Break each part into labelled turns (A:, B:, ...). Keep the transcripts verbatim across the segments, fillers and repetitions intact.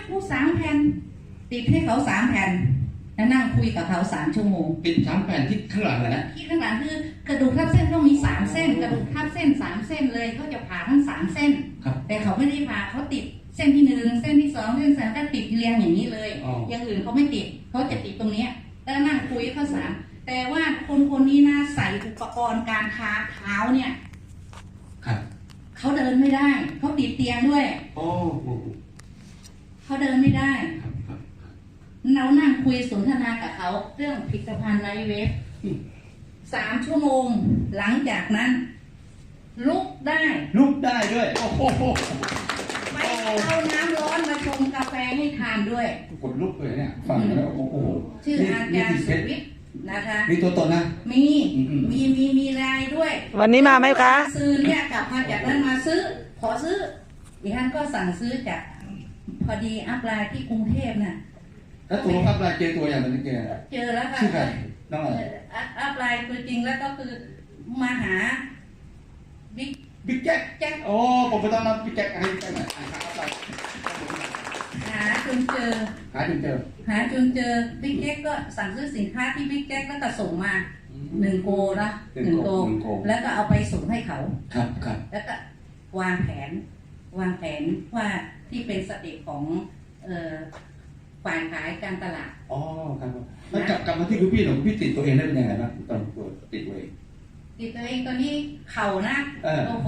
A: กูสามแผ่นติดให้เขาสามแผ่นแล้วนั่งคุยกับเขาสามชั่วโมง
B: ติดสามแผ่นที่ข้างหลังนะ
A: ที่ข้างหลังคือกระดูกทับเส้นต้องมีสามเส้นกระดูกทับเส้นสามเส้นเลยเขาจะผ่าทั้งสามเส้นแต่เขาไม่ได้ผ่าเขาติดเส้นที่หนึ่งเส้นที่สองเส้นสามก็ติดเรียงอย่างนี้เลยอย่างอื่นเขาไม่ติดเขาจะติดตรงนี้แล้วนั่งคุยเขาสามแต่ว่าคนคนนี้นะใส่อุปกรณ์การค้าเท้าเนี่ยเขาเดินไม่ได้เขาติดเตียงด้วยเขาเดินไม่ได้เรานั่งคุยสนทนากับเขาเรื่องผลิตภัณฑ์ไลฟ์เวฟสามชั่วโมงหลังจากนั้น ลุกได้
B: ลุกได้ด้วยโอ้โห
A: ไม่เอาน้ำร้อนมาชงกาแฟให้ทานด้วย
B: กดลุกเลยเนี่ยฟังแล้วโอ้โห
A: ชื่ออาจารย์สุวิทย์นะคะ
B: มีตัวตนนะ
A: มีมีมีมีรายด้วย
C: วันนี้มาไหมคะ
A: ซื้อเนี่ยกลับมาจากนั้นมาซื้อขอซื้อดิฉันก็สั่งซื้อจากพอดีอัพไลน์ที่กรุงเทพน่ะ
B: แล้วตัวอัพไลน์เจอตัวอย่างนั้นเจอ
A: เจอแล้วค่ะ
B: ชื่อใครน้องอะไร
A: อัพไลน์ตัวจริงแล้วก็คือมาหาบิ๊ก
B: บิ๊กแจ็คแจ็คโอ้ผมไปต้องรับบิ๊กแจ็คให้ไปหน่อย
A: หาจนเจอ
B: หาจนเจอ
A: หาจนเจอบิ๊กแจ็คก็สั่งซื้อสินค้าที่บิ๊กแจ็คแล้วก็ส่งมาหนึ่งโกนะหนึ่งโกแล้วก็เอาไปส่งให้เขา
B: ครับครับ
A: แล้วก็วางแผนวางแผนว่าที่เป็นสเต็ปของเอ่อฝ่ายขายการตลาด
B: อ๋อครับแล้วกลับกลับมาที่คุณพี่หนูพี่ติดตัวเองได้เป็นยังไงบ้างตอนตัวติดตัวเอง
A: ติดตัวเองตอนนี้เข่านะโอ้โห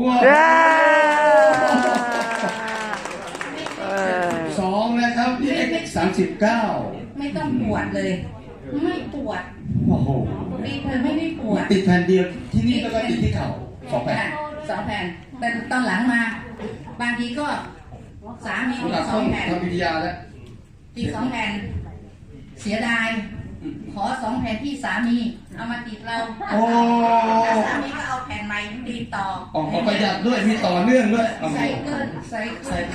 B: สองนะครับที่เอ็กซ์สามสิบเก้า
A: ไม่ต้องปวดเลยไม่ปวด
B: โอ้โห
A: ติดเลยไม่ได้ปวด
B: ติดแผ่นเดียวที่นี่แล้วก็ติดที่เข่าสองแผ่น
A: สองแผ่นแต่ตอนหลังมาบางทีก็สามีติดสองแผ่น
B: ทำวิทยาแล้ว
A: ติดสองแผ่นเสียดายขอสองแผ่นที่สามีเอามาติดเรา
B: โอ้
A: สามีก็เอาแผ่นใหม่ติดต่อ
B: ออกประหยัดด้วยมีต่อเนื่องด้วย
A: ใส่เกินใส่ใส่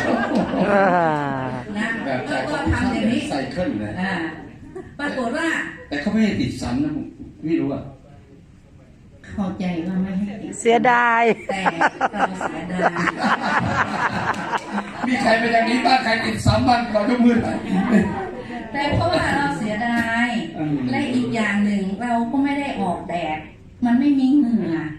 A: นะก็ทำอย่างนี้
B: ใส่เครื่องเลย
A: ปรากฏว่า
B: แต่เขาไม่ให้ติดซ้ำนะผมไม่รู้อ่ะ
A: เข้าใจว่าไม่ให้ติด
C: เสียดาย
A: แต่เราเสียดาย
B: มีใครเป็นอย่างนี้บ้างใครติดซ้ำบ้างเรายกมือ
A: แต่เพราะว่าเราเสียดายและอีกอย่างหนึ่งเราก็ไม่ได้ออกแดดมันไม่มีเหงื่อ